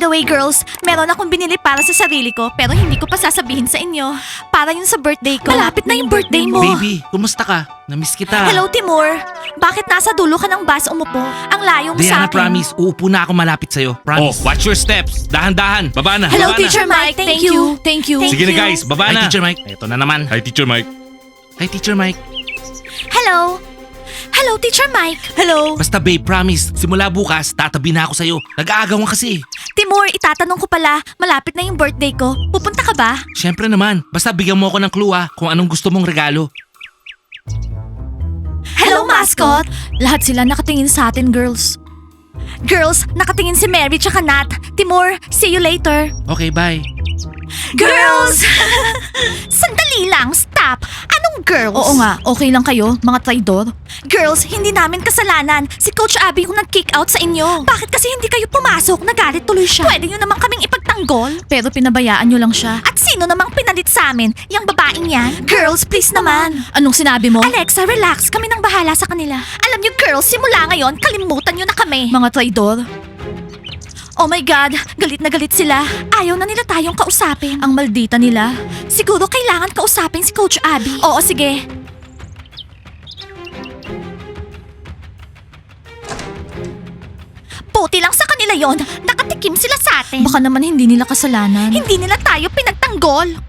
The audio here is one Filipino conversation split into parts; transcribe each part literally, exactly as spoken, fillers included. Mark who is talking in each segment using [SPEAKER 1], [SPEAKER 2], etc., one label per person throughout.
[SPEAKER 1] the way, girls, meron akong binili para sa sarili ko pero hindi ko pa sasabihin sa inyo. Para yun sa birthday ko. Malapit na yung birthday mo.
[SPEAKER 2] Baby, kumusta ka? Namiss kita.
[SPEAKER 1] Hello, Timur. Bakit nasa dulo ka ng bus umupo? Ang layo mo
[SPEAKER 2] Diana,
[SPEAKER 1] sa akin.
[SPEAKER 2] promise, uupo na ako malapit sa'yo.
[SPEAKER 3] Oh,
[SPEAKER 2] Promise.
[SPEAKER 3] watch your steps. Dahan-dahan. Baba na.
[SPEAKER 1] Hello,
[SPEAKER 3] baba
[SPEAKER 1] Teacher Mike. Thank you. Thank you.
[SPEAKER 3] Na. Sige na guys, baba
[SPEAKER 2] Hi,
[SPEAKER 3] na.
[SPEAKER 2] Teacher Mike. Ito na naman.
[SPEAKER 3] Hi, Teacher Mike.
[SPEAKER 2] Hi, Teacher Mike.
[SPEAKER 1] Hello. Hello, Teacher Mike. Hello.
[SPEAKER 2] Basta babe, promise, simula bukas, tatabi na ako sa'yo. Nag-aagawan kasi.
[SPEAKER 1] Timur, itatanong ko pala, malapit na yung birthday ko. Pupunta ka ba?
[SPEAKER 2] Siyempre naman, basta bigyan mo ako ng clue ah, kung anong gusto mong regalo.
[SPEAKER 1] Hello, mascot. Lahat sila nakatingin sa atin, girls. Girls, nakatingin si Mary tsaka Nat. Timur, see you later.
[SPEAKER 2] Okay, bye.
[SPEAKER 1] Girls! Sandali lang, stop! Anong girls? Oo nga, okay lang kayo, mga traidor. Girls, hindi namin kasalanan. Si Coach Abby yung nag-kick out sa inyo. Bakit kasi hindi kayo pumasok? Nagalit tuloy siya. Pwede nyo namang kaming ipagtanggol. Pero pinabayaan nyo lang siya. At sino namang pinalit sa amin? Yung babaeng yan? Girls, please naman. Anong sinabi mo? Alexa, relax. Kami nang bahala sa kanila. Alam nyo, girls, simula ngayon, kalimutan nyo na kami. Mga traidor. Oh my God, galit na galit sila. Ayaw na nila tayong kausapin. Ang maldita nila. Siguro kailangan kausapin si Coach Abby. Oo, sige. Buti lang sa kanila yon. Nakatikim sila sa atin. Baka naman hindi nila kasalanan. Hindi nila tayo pinagtanggol.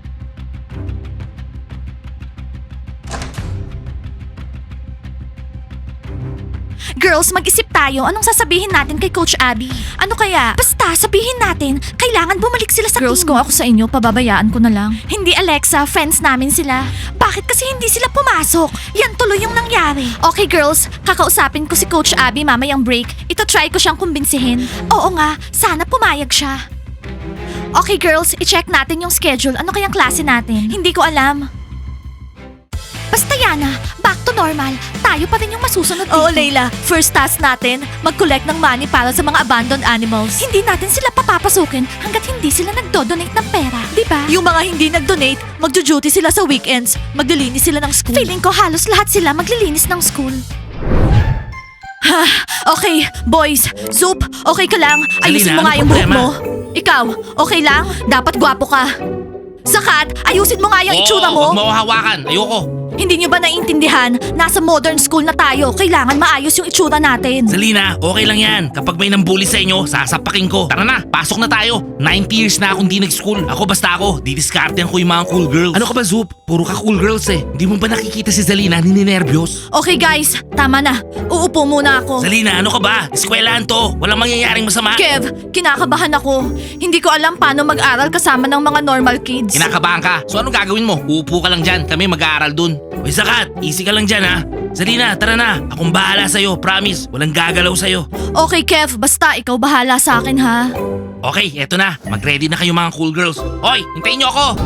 [SPEAKER 1] Girls, mag-isip tayo. Anong sasabihin natin kay Coach Abby? Ano kaya? Basta, sabihin natin, kailangan bumalik sila sa
[SPEAKER 4] Girls,
[SPEAKER 1] team.
[SPEAKER 4] kung ako sa inyo, pababayaan ko na lang.
[SPEAKER 1] Hindi, Alexa. Friends namin sila. Bakit kasi hindi sila pumasok? Yan tuloy yung nangyari. Okay, girls. Kakausapin ko si Coach Abby mamayang break. Ito try ko siyang kumbinsihin. Oo nga. Sana pumayag siya. Okay, girls. I-check natin yung schedule. Ano kayang klase natin? Hindi ko alam. Basta Yana, back to normal. Tayo pa rin yung masusunod dito. Oo, Layla. First task natin, mag-collect ng money para sa mga abandoned animals. Hindi natin sila papapasukin hanggat hindi sila nagdo-donate ng pera. Di ba? Yung mga hindi nag-donate, magjo-duty sila sa weekends. Maglilinis sila ng school. Feeling ko halos lahat sila maglilinis ng school. Ha, okay, boys. Zoop, okay ka lang? Ayusin
[SPEAKER 2] Alina,
[SPEAKER 1] mo nga
[SPEAKER 2] anong
[SPEAKER 1] yung buhok
[SPEAKER 2] problema?
[SPEAKER 1] mo. Ikaw, okay lang? Dapat gwapo ka. Zakat, ayusin mo nga yung itsura mo.
[SPEAKER 2] Oo, huwag mo ako hawakan. Ayoko.
[SPEAKER 1] Hindi nyo ba naiintindihan? Nasa modern school na tayo. Kailangan maayos yung itsura natin.
[SPEAKER 2] Zalina, okay lang yan. Kapag may nambuli sa inyo, sasapakin ko. Tara na, pasok na tayo. ninety years na akong di nag-school. Ako basta ako, didiskartehan ko yung mga cool girls. Ano ka ba, Zoop? Puro ka cool girls eh. Hindi mo ba nakikita si Zalina nininervyos?
[SPEAKER 1] Okay guys, tama na. Uupo muna ako.
[SPEAKER 2] Zalina, ano ka ba? Eskwelahan to. Walang mangyayaring masama.
[SPEAKER 1] Kev, kinakabahan ako. Hindi ko alam paano mag-aral kasama ng mga normal kids.
[SPEAKER 2] Kinakabahan ka. So anong gagawin mo? Uupo ka lang dyan. Kami mag-aaral dun. Uy, Zakat, easy ka lang dyan ha. Zalina, tara na. Akong bahala sa'yo. Promise, walang gagalaw sa'yo.
[SPEAKER 1] Okay Kev, basta ikaw bahala sa akin ha.
[SPEAKER 2] Okay, eto na. Mag-ready na kayo mga cool girls. Hoy, hintayin niyo ako.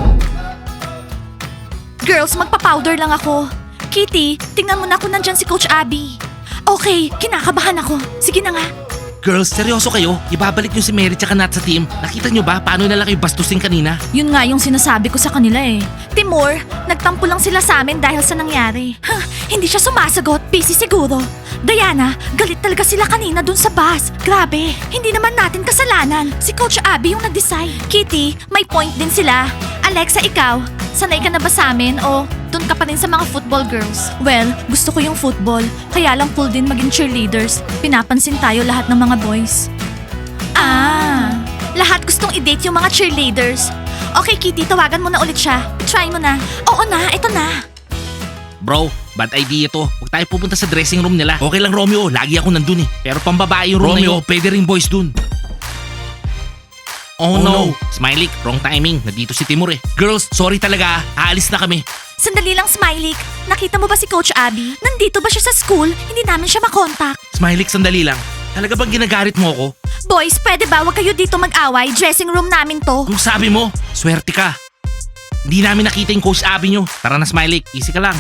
[SPEAKER 1] Girls, magpa-powder lang ako. Kitty, tingnan mo na kung nandyan si Coach Abby. Okay, kinakabahan ako. Sige na nga.
[SPEAKER 2] Girls, seryoso kayo? Ibabalik niyo si Mary tsaka Nat sa team. Nakita niyo ba paano nila kayo bastusin kanina?
[SPEAKER 1] Yun nga yung sinasabi ko sa kanila eh. Timur, nagtampo lang sila sa amin dahil sa nangyari. Huh, hindi siya sumasagot, busy siguro. Diana, galit talaga sila kanina dun sa bus. Grabe, hindi naman natin kasalanan. Si Coach Abby yung nag-decide. Kitty, may point din sila. Alexa, ikaw, sanay ka na ba sa amin o dun ka pa rin sa mga football girls? Well, gusto ko yung football. Kaya lang cool din maging cheerleaders. Pinapansin tayo lahat ng mga boys. Ah, lahat gustong i-date yung mga cheerleaders. Okay, Kitty, tawagan mo na ulit siya. Try mo na. Oo na, ito na.
[SPEAKER 2] Bro, bad idea to. Huwag tayo pupunta sa dressing room nila. Okay lang Romeo, lagi ako nandun eh. Pero pambabae yung room
[SPEAKER 3] Romeo.
[SPEAKER 2] na yun, pwede rin boys dun. Oh,
[SPEAKER 3] Oh,
[SPEAKER 2] no.
[SPEAKER 3] no.
[SPEAKER 2] Smiley, wrong timing. Nandito si Timur eh. Girls, sorry talaga. Aalis na kami.
[SPEAKER 1] Sandali lang, Smiley. Nakita mo ba si Coach Abby? Nandito ba siya sa school? Hindi namin siya makontak.
[SPEAKER 2] Smiley, sandali lang. Talaga bang ginagarit mo ako?
[SPEAKER 1] Boys, pwede ba wag kayo dito mag-away? Dressing room namin to.
[SPEAKER 2] Kung sabi mo, swerte ka. Hindi namin nakita yung Coach Abby nyo. Tara na Smiley, easy ka lang.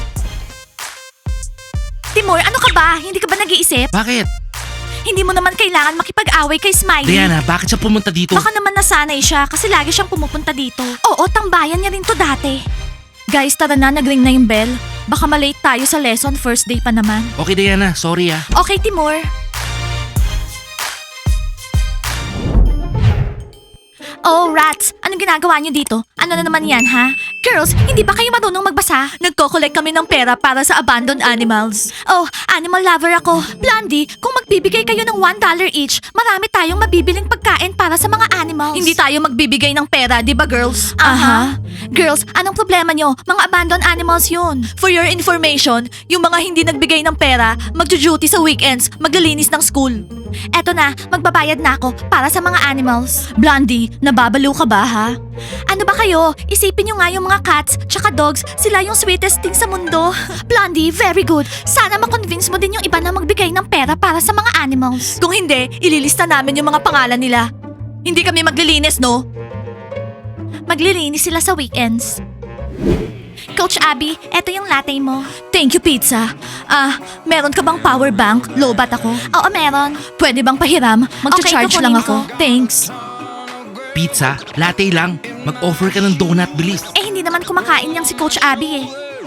[SPEAKER 1] Timur, ano ka ba? Hindi ka ba nag-iisip?
[SPEAKER 2] Bakit?
[SPEAKER 1] Hindi mo naman kailangan makipag-away kay Smiley.
[SPEAKER 2] Diana, bakit siya pumunta dito?
[SPEAKER 1] Baka naman nasanay siya kasi lagi siyang pumupunta dito. Oo, tambayan niya rin to dati. Guys, tara na, nag-ring na yung bell. Baka malate tayo sa lesson, first day pa naman.
[SPEAKER 2] Okay Diana, sorry ah.
[SPEAKER 1] Okay, Timur. Oh, rats! Anong ginagawa niyo dito? Ano na naman yan, ha? Girls, hindi ba kayo marunong magbasa? Nagko-collect kami ng pera para sa abandoned animals. Oh, animal lover ako. Blondie, kung magbibigay kayo ng one dollar each, marami tayong mabibiling pagkain para sa mga animals. Hindi tayo magbibigay ng pera, di ba, girls? Aha. Girls, anong problema nyo? Mga abandoned animals yun. For your information, yung mga hindi nagbigay ng pera, magjo-duty sa weekends, maglilinis ng school. Eto na, magbabayad na ako para sa mga animals. Blondie, nababalo ka ba ha? Ano ba kayo? Isipin nyo nga yung mga cats tsaka dogs, sila yung sweetest thing sa mundo. Blondie, very good. Sana makonvince mo din yung iba na magbigay ng pera para sa mga animals. Kung hindi, ililista namin yung mga pangalan nila. Hindi kami maglilinis, no? Maglilinis sila sa weekends. Coach Abby, eto yung latte mo. Thank you, pizza. Ah, meron ka bang power bank? Lobat ako. Oo, meron. Pwede bang pahiram? Magcha-charge
[SPEAKER 4] Okay,
[SPEAKER 1] lang
[SPEAKER 4] kukunin
[SPEAKER 1] ako. Thanks.
[SPEAKER 2] Pizza? Latte lang. Mag-offer ka ng donut, bilis.
[SPEAKER 1] Eh, hindi naman kumakain yang si Coach Abby eh.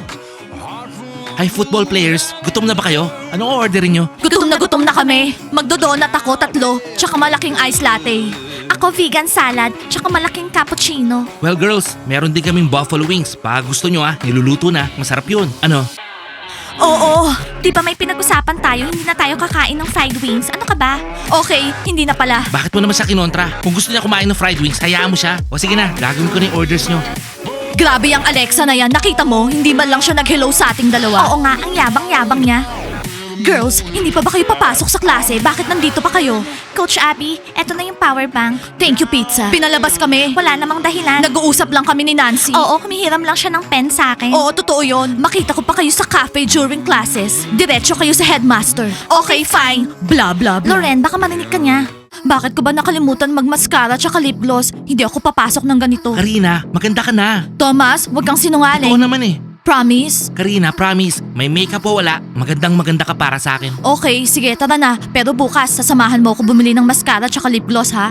[SPEAKER 2] Hi, football players. Gutom na ba kayo? Anong orderin nyo?
[SPEAKER 1] Gutom na gutom na kami. Magdodonut ako tatlo, tsaka malaking ice latte. Ako vegan salad, tsaka malaking cappuccino.
[SPEAKER 2] Well, girls, meron din kaming buffalo wings. Baka gusto nyo ah, niluluto na. Masarap yun. Ano?
[SPEAKER 1] Oo, di ba may pinag-usapan tayo, hindi na tayo kakain ng fried wings? Ano ka ba? Okay, hindi na pala.
[SPEAKER 2] Bakit mo naman siya kinontra? Kung gusto niya kumain ng fried wings, hayaan mo siya. O sige na, gagawin ko na yung orders nyo.
[SPEAKER 1] Grabe yung Alexa na yan, nakita mo? Hindi man lang siya nag-hello sa ating dalawa. Oo nga, ang yabang-yabang niya. Girls, hindi pa ba kayo papasok sa klase? Bakit nandito pa kayo? Coach Abby, eto na yung power bank. Thank you, pizza. Pinalabas kami. Wala namang dahilan. Nag-uusap lang kami ni Nancy. Oo, kumihiram lang siya ng pen sa akin. Oo, totoo yon. Makita ko pa kayo sa cafe during classes. Diretso kayo sa headmaster. Okay, fine. Blah, blah, blah. Loren, baka marinig ka niya. Bakit ko ba nakalimutan mag-mascara tsaka lip gloss? Hindi ako papasok ng ganito.
[SPEAKER 2] Karina, maganda ka na.
[SPEAKER 1] Thomas, wag kang sinungaling.
[SPEAKER 2] Oo naman eh.
[SPEAKER 1] Promise?
[SPEAKER 2] Karina, promise, may makeup o wala, magandang maganda ka para sa akin.
[SPEAKER 1] Okay, sige, tara na. Pero bukas, sasamahan mo ako bumili ng mascara tsaka lip gloss, ha?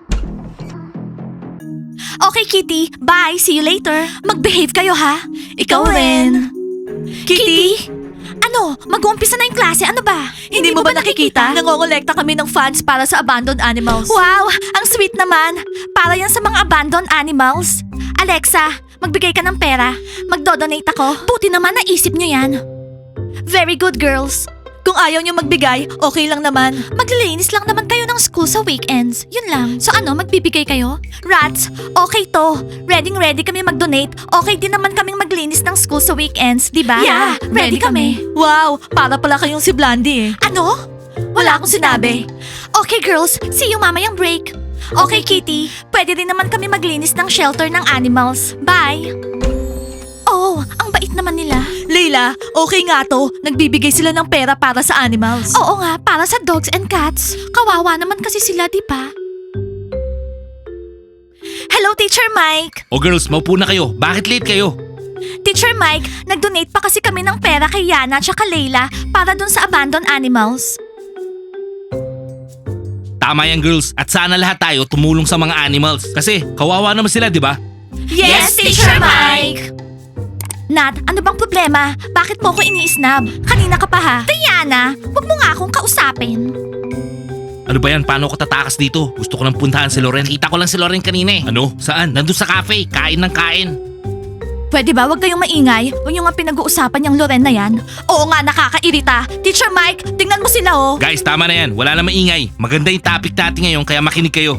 [SPEAKER 1] Okay, Kitty. Bye. See you later. Mag-behave kayo, ha? Ikaw rin. Kitty? Ano? Mag-uumpisa na yung klase. Ano ba? Hindi, mo ba nakikita? Nangongolekta kami ng funds para sa abandoned animals. Wow! Ang sweet naman. Para yan sa mga abandoned animals. Alexa, magbigay ka ng pera. Magdodonate ako. Buti naman naisip nyo yan. Very good, girls. Kung ayaw nyo magbigay, okay lang naman. Maglilinis lang naman kayo ng school sa weekends. Yun lang. So ano, magbibigay kayo? Rats, okay to. Ready-ready kami mag-donate. Okay din naman kaming maglinis ng school sa weekends, di ba?
[SPEAKER 4] Yeah, ready kami.
[SPEAKER 1] Wow, para pala kayong si Blondie eh. Ano? Wala akong sinabi. Okay, girls. See you mamayang break. Okay, Kitty. Pwede din naman kami maglinis ng shelter ng animals. Bye. Oh, ang bait naman nila. Leila, okay nga to. Nagbibigay sila ng pera para sa animals. Oo nga, para sa dogs and cats. Kawawa naman kasi sila, di ba? Hello, Teacher Mike.
[SPEAKER 2] O girls, maupo na kayo. Bakit late kayo?
[SPEAKER 1] Teacher Mike, nag-donate pa kasi kami ng pera kay Yana at Leila para dun sa abandoned animals.
[SPEAKER 2] Tama yan girls, at sana lahat tayo tumulong sa mga animals. Kasi kawawa naman sila, di ba?
[SPEAKER 1] Yes, Teacher Mike! Nat, ano bang problema? Bakit mo ko ini-snub? Kanina ka pa ha? Diana, wag mo nga akong kausapin.
[SPEAKER 2] Ano ba yan? Paano ako tatakas dito? Gusto ko nang puntahan si Loren. Kita ko lang si Loren kanina eh. Ano? Saan? Nandun sa cafe. Kain ng kain.
[SPEAKER 1] Pwede ba wag kayong maingay? Huwag nyo nga pinag-uusapan yung Loren na yan. Oo nga, nakakairita. Teacher Mike, tingnan mo sila oh.
[SPEAKER 2] Guys, tama na yan. Wala na maingay. Maganda yung topic natin ngayon kaya makinig kayo.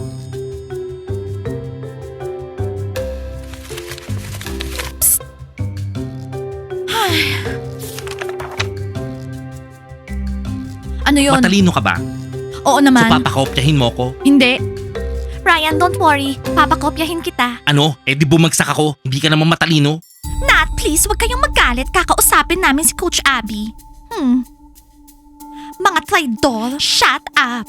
[SPEAKER 1] Ano yun?
[SPEAKER 2] Matalino ka ba?
[SPEAKER 1] Oo
[SPEAKER 2] So
[SPEAKER 1] naman.
[SPEAKER 2] papakopyahin mo ko?
[SPEAKER 1] Hindi. Ryan, don't worry. Papakopyahin kita.
[SPEAKER 2] Ano? Eh di bumagsak ako. Hindi ka naman matalino.
[SPEAKER 1] Nat, please, wag kayong magalit. Kakausapin namin si Coach Abby. Hmm. Mga traidor, shut up.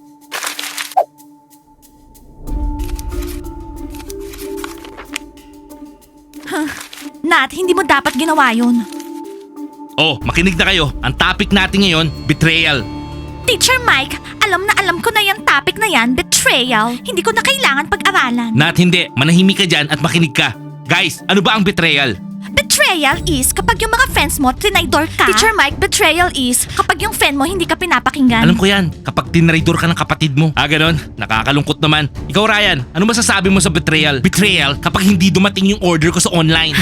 [SPEAKER 1] Huh. Nat, hindi mo dapat ginawa yun.
[SPEAKER 2] Oh, makinig na kayo. Ang topic natin ngayon, betrayal.
[SPEAKER 1] Teacher Mike, alam na alam ko na yung topic na yan, betrayal. Hindi ko na kailangan pag-aralan.
[SPEAKER 2] Nat hindi, manahimik ka dyan at makinig ka. Guys, ano ba ang betrayal?
[SPEAKER 1] Betrayal is kapag yung mga friends mo trinaydor ka. Teacher Mike, betrayal is kapag yung friend mo hindi ka pinapakinggan.
[SPEAKER 2] Alam ko yan, kapag tinraidor ka ng kapatid mo. Ah, ganon? Nakakalungkot naman. Ikaw, Ryan, ano masasabi mo sa betrayal? Betrayal kapag hindi dumating yung order ko sa online.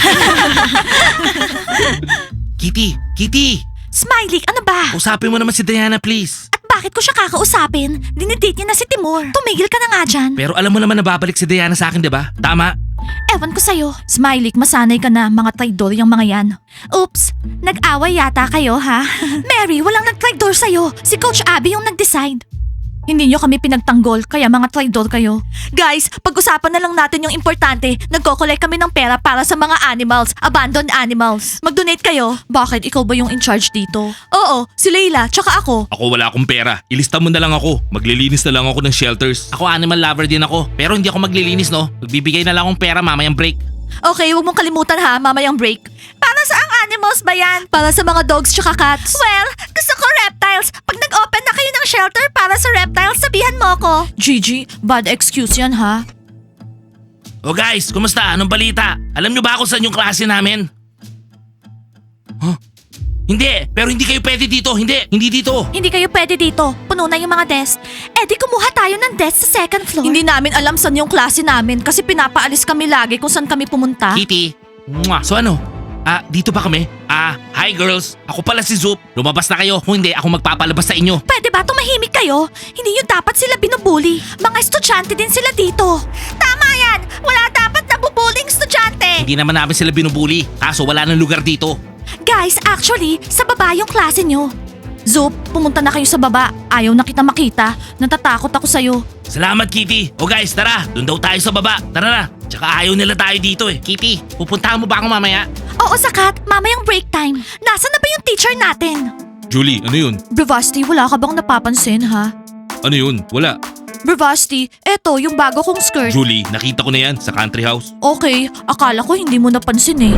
[SPEAKER 2] Kitty, Kitty!
[SPEAKER 1] Smiley, ano ba?
[SPEAKER 2] Usapin mo naman si Diana, please.
[SPEAKER 1] At bakit ko siya kakausapin? Dinidate niya na si Timur. Tumigil ka na nga dyan.
[SPEAKER 2] Pero alam mo naman na babalik si Diana sa akin, di ba? Tama?
[SPEAKER 1] Ewan ko sa'yo.
[SPEAKER 4] Smiley, masanay ka na, mga traidor yung mga yan.
[SPEAKER 1] Oops, nag-away yata kayo ha? Mary, walang nag-traitor sa'yo. Si Coach Abby yung nag-decide.
[SPEAKER 4] Hindi nyo kami pinagtanggol, kaya mga traidor kayo.
[SPEAKER 1] Guys, pag-usapan na lang natin yung importante. Nagko-collect kami ng pera para sa mga animals, abandoned animals. Mag-donate kayo.
[SPEAKER 4] Bakit ikaw ba yung in charge dito?
[SPEAKER 1] Oo, si Leila, tsaka ako.
[SPEAKER 2] Ako wala akong pera. Ilista mo na lang ako. Maglilinis na lang ako ng shelters. Ako animal lover din ako. Pero hindi ako maglilinis, no? Magbibigay na lang akong pera mamayang break.
[SPEAKER 1] Okay, huwag mong kalimutan ha, mamayang break. Para sa ang animals ba yan? Para sa mga dogs tsaka cats. Well, gusto ko reptiles. Pag nag-open na kayo ng shelter para sa reptiles, sabihan mo ko.
[SPEAKER 4] Gigi, bad excuse yan ha.
[SPEAKER 2] O guys, kumusta? Anong balita? Alam nyo ba ako saan yung klase namin? Huh? Hindi, pero hindi kayo pwede dito. Hindi, hindi dito.
[SPEAKER 1] Hindi kayo pwede dito. Puno na yung mga desk. Eh di kumuha tayo ng desk sa second floor.
[SPEAKER 4] Hindi namin alam saan yung klase namin kasi pinapaalis kami lagi kung saan kami pumunta.
[SPEAKER 2] Kitty. Mwah. So ano? Ah, dito ba kami? Ah, hi girls. Ako pala si Zoop. Lumabas na kayo. Kung hindi, ako magpapalabas sa inyo.
[SPEAKER 1] Pwede ba tumahimik kayo? Hindi nyo dapat sila binubuli. Mga estudyante din sila dito. Tama yan! Wala dapat nabubuling estudyante!
[SPEAKER 2] Hindi naman namin sila binubuli. Kaso wala nang lugar dito.
[SPEAKER 1] Guys, actually, sa baba yung klase nyo.
[SPEAKER 4] Zoop, pumunta na kayo sa baba. Ayaw na kita makita. Natatakot ako sa'yo.
[SPEAKER 2] Salamat, Kitty. O guys, tara. Doon daw tayo sa baba. Tara na. Tsaka ayaw nila tayo dito eh. Kitty, pupuntahan mo ba ako mamaya?
[SPEAKER 1] Oo, Sakat. Mamayang break time. Nasaan na ba yung teacher natin?
[SPEAKER 3] Julie, ano yun?
[SPEAKER 4] Bravasti, wala ka bang napapansin ha?
[SPEAKER 3] Ano yun? Wala.
[SPEAKER 4] Bravasti, eto yung bago kong skirt.
[SPEAKER 3] Julie, nakita ko na yan sa country house.
[SPEAKER 4] Okay, akala ko hindi mo napansin eh.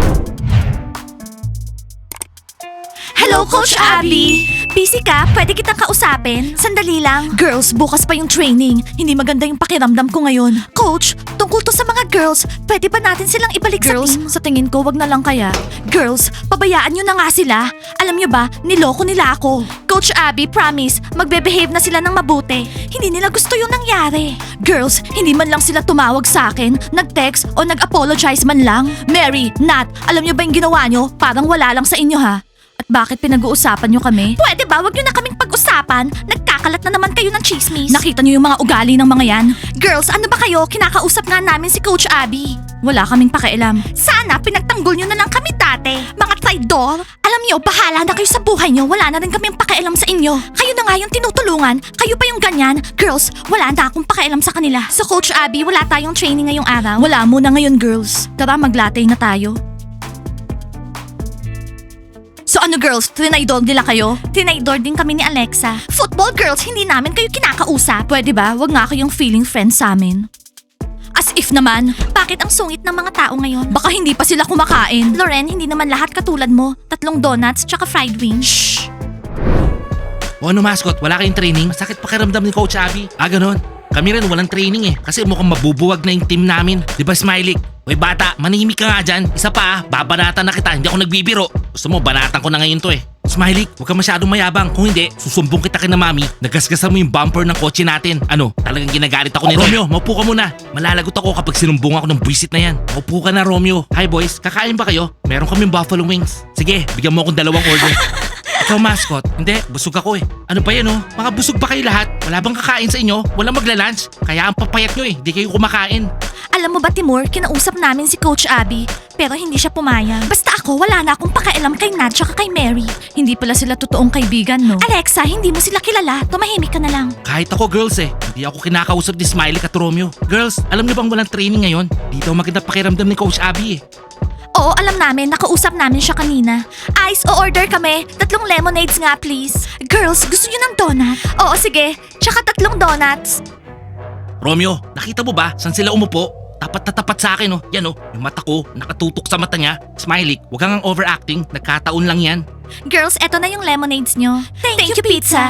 [SPEAKER 1] Hello, Coach Abby! Busy ka? Pwede kitang kausapin? Sandali lang.
[SPEAKER 4] Girls, bukas pa yung training. Hindi maganda yung pakiramdam ko ngayon.
[SPEAKER 1] Coach, tungkol to sa mga girls. Pwede ba natin silang ibalik
[SPEAKER 4] Girls,
[SPEAKER 1] sa team?
[SPEAKER 4] sa tingin ko wag na lang kaya.
[SPEAKER 1] Girls, pabayaan nyo na nga sila. Alam nyo ba, niloko nila ako. Coach Abby, promise, magbe-behave na sila ng mabuti. Hindi nila gusto yung nangyari.
[SPEAKER 4] Girls, hindi man lang sila tumawag sa akin, nag-text o nag-apologize man lang. Mary, Nat, alam nyo ba yung ginawa nyo? Parang wala lang sa inyo ha. At bakit pinag-uusapan nyo kami?
[SPEAKER 1] Pwede ba, wag nyo na kaming pag-usapan? Nagkakalat na naman kayo ng chismis.
[SPEAKER 4] Nakita nyo yung mga ugali ng mga yan?
[SPEAKER 1] Girls, ano ba kayo? Kinakausap nga namin si Coach Abby.
[SPEAKER 4] Wala kaming pakialam.
[SPEAKER 1] Sana pinagtanggol nyo na lang kami dati. Mga traidor. Alam nyo, bahala na kayo sa buhay nyo. Wala na rin kaming pakialam sa inyo. Kayo na nga yung tinutulungan. Kayo pa yung ganyan. Girls, wala na akong pakialam sa kanila. So Coach Abby, wala tayong training ngayong araw.
[SPEAKER 4] Wala muna ngayon girls. Tara maglatay na tayo. So ano girls, trinaydor nila kayo?
[SPEAKER 1] Tinaydor din kami ni Alexa. Football girls, hindi namin kayo kinakausap.
[SPEAKER 4] Pwede ba, wag nga kayong feeling friends sa amin. As if naman,
[SPEAKER 1] Bakit ang sungit ng mga tao ngayon?
[SPEAKER 4] baka hindi pa sila kumakain.
[SPEAKER 1] Loren, hindi naman lahat katulad mo. Tatlong donuts tsaka fried wings.
[SPEAKER 4] Shh!
[SPEAKER 2] O ano mascot, wala kayong training? Masakit pakiramdam ni Coach Abby. Ah, ganun. Kami rin walang training eh. Kasi mukhang mabubuwag na yung team namin. Di ba, Smiley? Hoy bata, manahimik ka nga dyan. Isa pa ah, babanatan na kita. Hindi ako nagbibiro. Gusto mo, banatan ko na ngayon to eh. Smiley, huwag ka masyadong mayabang. Kung hindi, susumbong kita kina mami. Nagasgasan mo yung bumper ng kotse natin. Ano, talagang ginagalit ako ni Romeo. Maupo ka muna. Malalagot ako kapag sinumbong ako ng buwisit na yan. Maupo ka na, Romeo. Hi boys, kakain ba kayo? Meron kaming buffalo wings. Sige, bigyan mo akong dalawang order. Ikaw mascot? Hindi, busog ako eh. Ano ba yan oh? Mga busog pa kayo lahat? Wala bang kakain sa inyo? Walang magla-lunch? Kaya ang papayat nyo eh, di kayo kumakain.
[SPEAKER 1] Alam mo ba, Timur, kinausap namin si Coach Abby, pero hindi siya pumayag. Basta ako, wala na akong pakialam kay Nat tsaka kay Mary.
[SPEAKER 4] Hindi pala sila totoong kaibigan, no?
[SPEAKER 1] Alexa, hindi mo sila kilala. Tumahimik ka na lang.
[SPEAKER 2] Kahit ako girls eh, hindi ako kinakausap ni Smiley at Romeo. Girls, alam niyo bang walang training ngayon? Di daw maganda pakiramdam ni Coach Abby eh.
[SPEAKER 1] Oo, alam namin. Nakausap namin siya kanina. Ice, o-order kami. Tatlong lemonades nga, please. Girls, gusto niyo ng donut? Oo, sige. Tsaka tatlong donuts.
[SPEAKER 2] Romeo, nakita mo ba saan sila umupo? Tapat na tapat sa akin oh. Yan oh, yung mata ko nakatutok sa mata niya. Smiley, huwag kang overacting. Nagkataon lang yan.
[SPEAKER 1] Girls, eto na yung lemonades nyo. Thank, you, pizza.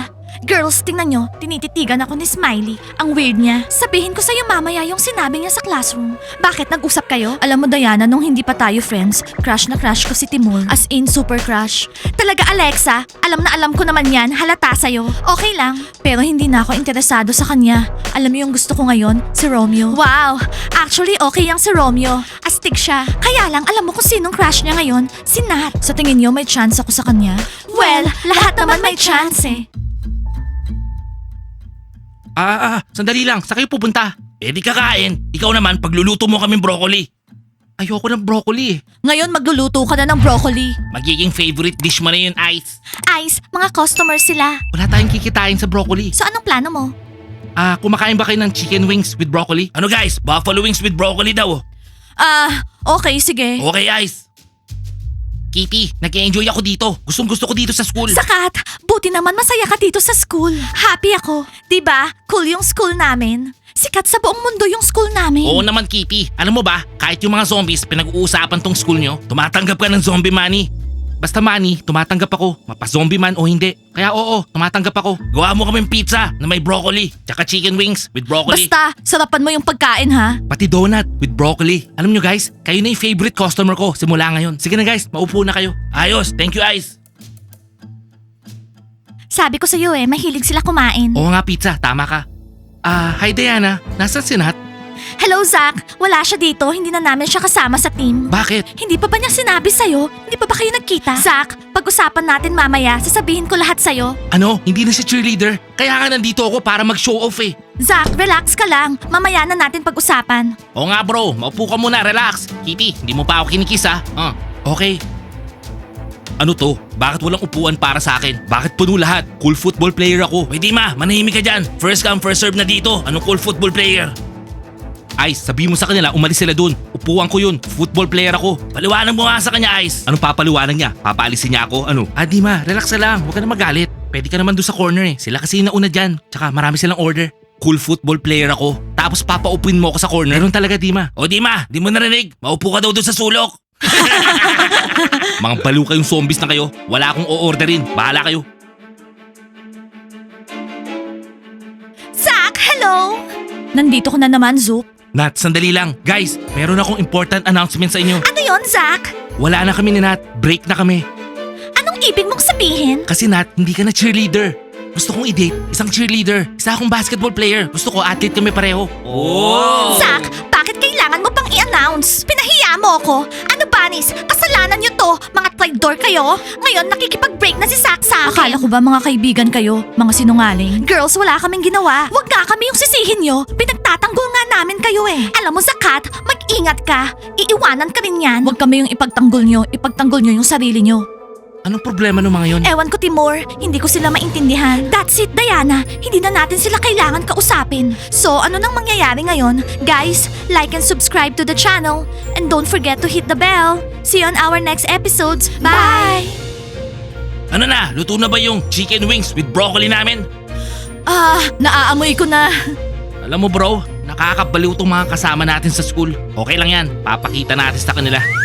[SPEAKER 1] Girls, tingnan nyo, tinititigan ako ni Smiley. Ang weird niya. Sabihin ko sa'yo mamaya yung sinabi niya sa classroom. Bakit, nag-usap kayo?
[SPEAKER 4] Alam mo Diana, nung hindi pa tayo friends, crush na crush ko si Timur. As in, super crush.
[SPEAKER 1] Talaga Alexa, alam na alam ko naman yan, halata sa'yo. Okay lang.
[SPEAKER 4] Pero hindi na ako interesado sa kanya. Alam mo yung gusto ko ngayon? Si Romeo.
[SPEAKER 1] Wow, actually okay yung si Romeo. Astig siya. Kaya lang, alam mo kung sinong crush niya ngayon? Si Nat.
[SPEAKER 4] Sa tingin niyo, may chance ako sa kanya?
[SPEAKER 1] Well, lahat naman may chance eh.
[SPEAKER 2] Ah, ah, sandali lang. Sa kayo pupunta? Eh di kakain. Ikaw naman, pagluluto mo kaming broccoli. Ayoko ng broccoli eh.
[SPEAKER 4] Ngayon magluluto ka na ng broccoli.
[SPEAKER 2] Magiging favorite dish mo na yun, Ice.
[SPEAKER 1] Ice, mga customer sila.
[SPEAKER 2] Wala tayong kikitain sa broccoli.
[SPEAKER 1] So anong plano mo?
[SPEAKER 2] Ah, kumakain ba kayo ng chicken wings with broccoli? Ano guys? Buffalo wings with broccoli daw.
[SPEAKER 4] Ah, okay, sige.
[SPEAKER 2] Okay, Ice. Kitty, nag-enjoy ako dito. Gustong gusto ko dito sa school.
[SPEAKER 1] Sakat, buti naman masaya ka dito sa school. Happy ako. 'Di ba? Cool yung school namin. Sikat sa buong mundo yung school namin.
[SPEAKER 2] Oo naman, Kitty. Alam mo ba, kahit yung mga zombies pinag-uusapan tong school nyo, tumatanggap ka ng zombie money. Basta money, tumatanggap ako. Mapa-zombie man o hindi. Kaya oo, tumatanggap ako. Gawa mo kaming pizza na may broccoli. Tsaka chicken wings with broccoli.
[SPEAKER 4] Basta, sarapan mo yung pagkain ha.
[SPEAKER 2] Pati donut with broccoli. Alam nyo guys, kayo na yung favorite customer ko simula ngayon. Sige na guys, maupo na kayo. Ayos, thank you Ice.
[SPEAKER 1] Sabi ko sa'yo eh, mahilig sila kumain.
[SPEAKER 2] Oo nga pizza, tama ka. Ah, hi Diana, nasaan si Nat?
[SPEAKER 1] Hello Zach, wala siya dito. Hindi na namin siya kasama sa team.
[SPEAKER 2] Bakit?
[SPEAKER 1] Hindi pa ba niya sinabi sa'yo? Hindi pa ba kayo nagkita? Zach, pag-usapan natin mamaya. Sasabihin ko lahat sa'yo.
[SPEAKER 2] Ano? Hindi na siya cheerleader? Kaya nga nandito ako para mag-show off eh.
[SPEAKER 1] Zach, relax ka lang. Mamaya na natin pag-usapan.
[SPEAKER 2] Oo nga bro, maupo ka muna, relax. Kitty, hindi mo pa ako kinikis ha. Ah, okay. Ano to? Bakit walang upuan para sa akin? Bakit puno lahat? Cool football player ako. Pwede ma, manahimik ka dyan. First come, first serve na dito. Anong cool football player? Ice, sabi mo sa kanila, umalis sila dun. Upuan ko yun. Football player ako. Paliwanag mo nga sa kanya, Ice. Anong papaliwanag niya? Papaalisin niya ako? Ano? Ah, di ma, relax na lang. Huwag ka na magalit. Pwede ka naman dun sa corner eh. Sila kasi yung nauna dyan. Tsaka marami silang order. Cool football player ako. Tapos papaupuin mo ako sa corner. Ganun talaga, Dima. O Dima, di mo narinig. Maupo ka daw dun sa sulok. Mga baliw kayong zombies na kayo. Wala akong o-orderin. Bahala kayo.
[SPEAKER 1] Zach, hello!
[SPEAKER 4] Nandito ko na naman, Zoop.
[SPEAKER 2] Nat, sandali lang. Guys, meron akong important announcement sa inyo.
[SPEAKER 1] Ano yon, Zach?
[SPEAKER 2] Wala na kami ni Nat. Break na kami.
[SPEAKER 1] Anong ibig mong sabihin?
[SPEAKER 2] Kasi Nat, hindi ka na cheerleader. Gusto kong i-date isang cheerleader. Isa akong basketball player. Gusto ko athlete kami pareho. Oh!
[SPEAKER 1] Zach, bakit kailangan mo pang i-announce? Pinahiya mo ako. Ano Banis? Kasalanan niyo to. Mga traitor kayo. Ngayon nakikipag-break na si Zach sa akin.
[SPEAKER 4] Akala ko ba mga kaibigan kayo? Mga sinungaling?
[SPEAKER 1] Girls, wala kaming ginawa. Huwag nga kami yung sisihin nyo. Pinagtatanggol nga namin kayo eh. Alam mo, Zakat, mag-ingat ka. Iiwanan ka rin yan.
[SPEAKER 4] Huwag kami yung ipagtanggol nyo. Ipagtanggol nyo yung sarili nyo.
[SPEAKER 2] Anong problema ng mga yon?
[SPEAKER 1] Ewan ko, Timur. Hindi ko sila maintindihan. That's it, Diana. Hindi na natin sila kailangan kausapin. So, ano nang mangyayari ngayon? Guys, like and subscribe to the channel. And don't forget to hit the bell. See you on our next episodes. Bye!
[SPEAKER 2] Ano na? Luto na ba yung chicken wings with broccoli namin?
[SPEAKER 4] Ah, naaamoy ko na.
[SPEAKER 2] Alam mo bro, nakakabaliw tong mga kasama natin sa school. Okay lang yan, papakita natin sa kanila.